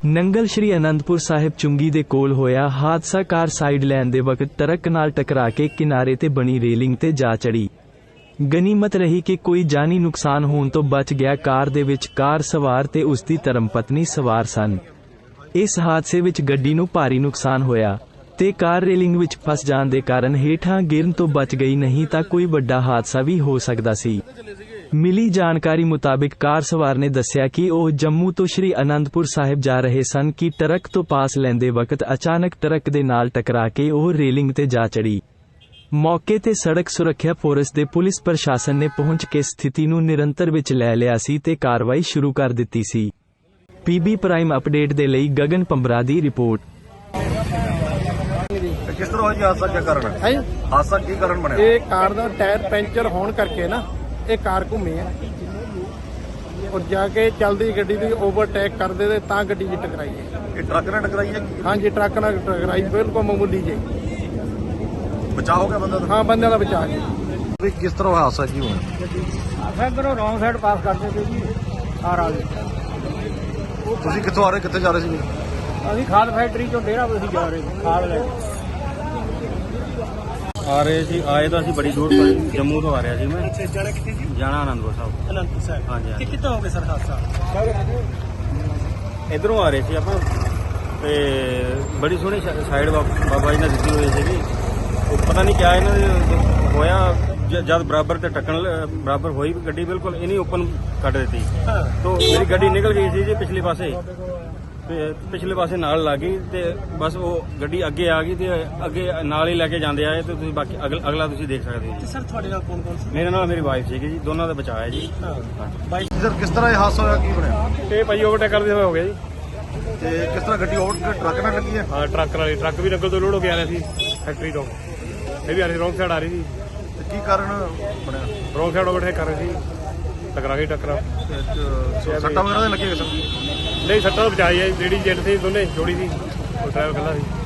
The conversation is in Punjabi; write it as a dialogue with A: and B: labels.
A: ਨੰਗਲ ਸ਼੍ਰੀ ਅਨੰਦਪੁਰ ਸਾਹਿਬ ਚੁੰਗੀ ਦੇ ਕੋਲ ਹੋਇਆ ਹਾਦਸਾ। ਕਾਰ ਸਾਈਡ ਲੈਣ ਦੇ ਵਕਤ ਟਰੱਕ ਨਾਲ ਟਕਰਾ ਕੇ ਕਿਨਾਰੇ ਤੇ ਬਣੀ ਰੇਲਿੰਗ ਤੇ ਜਾ ਚੜੀ। ਗਨੀਮਤ ਰਹੀ ਕਿ ਕੋਈ ਜਾਨੀ ਨੁਕਸਾਨ ਹੋਣ ਤੋਂ ਬਚ ਗਿਆ। ਕਾਰ ਦੇ ਵਿੱਚ ਕਾਰ ਸਵਾਰ ਤੇ ਉਸ ਦੀ ਧਰਮਪਤਨੀ ਸਵਾਰ ਸਨ। ਇਸ ਹਾਦਸੇ ਵਿੱਚ ਗੱਡੀ ਨੂੰ ਭਾਰੀ ਨੁਕਸਾਨ ਹੋਇਆ ਤੇ ਕਾਰ ਰੇਲਿੰਗ ਵਿੱਚ ਫਸ ਜਾਣ ਦੇ ਕਾਰਨ ਹੇਠਾਂ ਗਿਰਨ ਤੋਂ ਬਚ ਗਈ, ਨਹੀਂ ਤਾਂ ਕੋਈ ਵੱਡਾ ਹਾਦਸਾ ਵੀ ਹੋ ਸਕਦਾ ਸੀ। ਮਿਲੀ ਜਾਣਕਾਰੀ ਮੁਤਾਬਿਕ ਕਾਰ ਸਵਾਰ ਨੇ ਦੱਸਿਆ ਕਿ ਉਹ ਜੰਮੂ ਤੋਂ ਸ਼੍ਰੀ ਅਨੰਦਪੁਰ ਸਾਹਿਬ ਜਾ ਰਹੇ ਸਨ ਕਿ ਟਰੱਕ ਤੋਂ ਪਾਸ ਲੈਂਦੇ ਵਕਤ ਅਚਾਨਕ ਟਰੱਕ ਦੇ ਨਾਲ ਟਕਰਾ ਕੇ ਉਹ ਰੇਲਿੰਗ ਤੇ ਜਾ ਚੜੀ। ਮੌਕੇ ਤੇ ਸੜਕ ਸੁਰੱਖਿਆ ਫੋਰਸ ਦੇ ਪੁਲਿਸ ਪ੍ਰਸ਼ਾਸਨ ਨੇ ਪਹੁੰਚ ਕੇ ਸਥਿਤੀ ਨੂੰ ਨਿਯੰਤਰਣ ਵਿੱਚ ਲੈ ਲਿਆ ਸੀ ਤੇ ਕਾਰਵਾਈ ਸ਼ੁਰੂ ਕਰ ਦਿੱਤੀ ਸੀ। ਪੀਬੀ ਪ੍ਰਾਈਮ ਅਪਡੇਟ ਦੇ ਲਈ ਗਗਨ ਪੰਬਰਾ ਦੀ ਰਿਪੋਰਟ।
B: किस तरह होया हादसा, क्या कारण है? हादसा की कारण बने?
C: ये कार दा टायर पंचर होने करके ना ये कार घूमी है और जाके चलती गड्डी दी ओवरटेक कर दे तां गड्डी जी टकराई है।
B: ये ट्रक ने टकराई है?
C: हाँ जी, ट्रक नाल टकराई, बिल्कुल मामूली जी।
B: बचाव हो गया बंदा?
C: हाँ, बंदे दा बचा जी।
B: भी किस तरह हादसा की होया?
C: इधरों रॉन्ग साइड पास करते थे जी, कार आ गई।
B: ਤੁਸੀਂ ਕਿੱਥੋਂ ਆ ਰਹੇ, ਕਿੱਥੇ ਜਾ ਰਹੇ ਸੀ?
C: ਅਸੀਂ ਖਾਦ ਫੈਕਟਰੀ ਚੋਂ ਡੇਰਾ ਬਸੀ ਜਾ ਰਹੇ ਸੀ ਖਾਦ ਲੈ ਕੇ।
D: ਆ ਰਹੇ ਸੀ, ਆਏ ਤਾਂ ਅਸੀਂ ਬੜੀ ਦੂਰ ਤੋਂ, ਜੰਮੂ ਤੋਂ ਆ ਰਿਹਾ ਸੀ ਮੈਂ। ਜਾਣਾ ਕਿੱਥੇ ਸੀ? ਜਾਣਾ ਅਨੰਦਪੁਰ ਸਾਹਿਬ।
C: ਅਨੰਦਪੁਰ ਸਾਹਿਬ।
D: ਹਾਂਜੀ।
C: ਕਿੱਥੋਂ ਹੋ ਗਏ ਸਰ ਹਾਦਸਾ?
D: ਇਧਰੋਂ ਆ ਰਹੇ ਸੀ ਆਪਾਂ ਤੇ ਬੜੀ ਸੋਹਣੀ ਸਾਈਡ ਬਾਬਾ ਜੀ ਨੇ ਦਿੱਤੀ ਹੋਈ ਸੀਗੀ। ਉਹ ਪਤਾ ਨਹੀਂ ਕਿਆ ਇਹਨਾਂ ਦੇ ਹੋਇਆ, ਜਦ ਬਰਾਬਰ ਤੇ ਟੱਕਣ ਬਰਾਬਰ ਹੋਈ ਗੱਡੀ, ਬਿਲਕੁਲ ਇਹਨੇ ਓਪਨ ਕੱਢ ਦਿੱਤੀ। तो मेरी गड्डी निकल गई सी जी पिछले पासे नाल लग गई ते बस वो गड्डी अगे आ गई ते अगे नाल ही लेके जांदे आए ते तुसीं बाकी अगला तुसीं देख सकते हो।
C: सर थोड़े नाल कौन कौन?
D: मेरे नाल मेरी वाइफ सी जी, दोनों का बचाव है जी।
B: सर किस तरह ये हादसा होया, की बनया?
D: ये भाई ओवरटेक करते हुए हो गया जी।
B: ते किस तरह गड्डी ओवर ट्रक नाल लगी है?
D: हाँ, ट्रक भी नंगल तो लोड हो के आ रहा थी फैक्ट्री तो, ये भी आ रही रॉन्ग साइड आ रही थी।
B: ते की कारण बनया?
D: रॉन्ग साइड ओवरटेक कर रही थी, टकरा गई।
B: सट्टा वगैरह लगे सर?
D: नहीं, सट्टा तो बचाई है, लेडीज जेंट थी दोनों, जोड़ी थी, ड्राइवर खड़ा थी।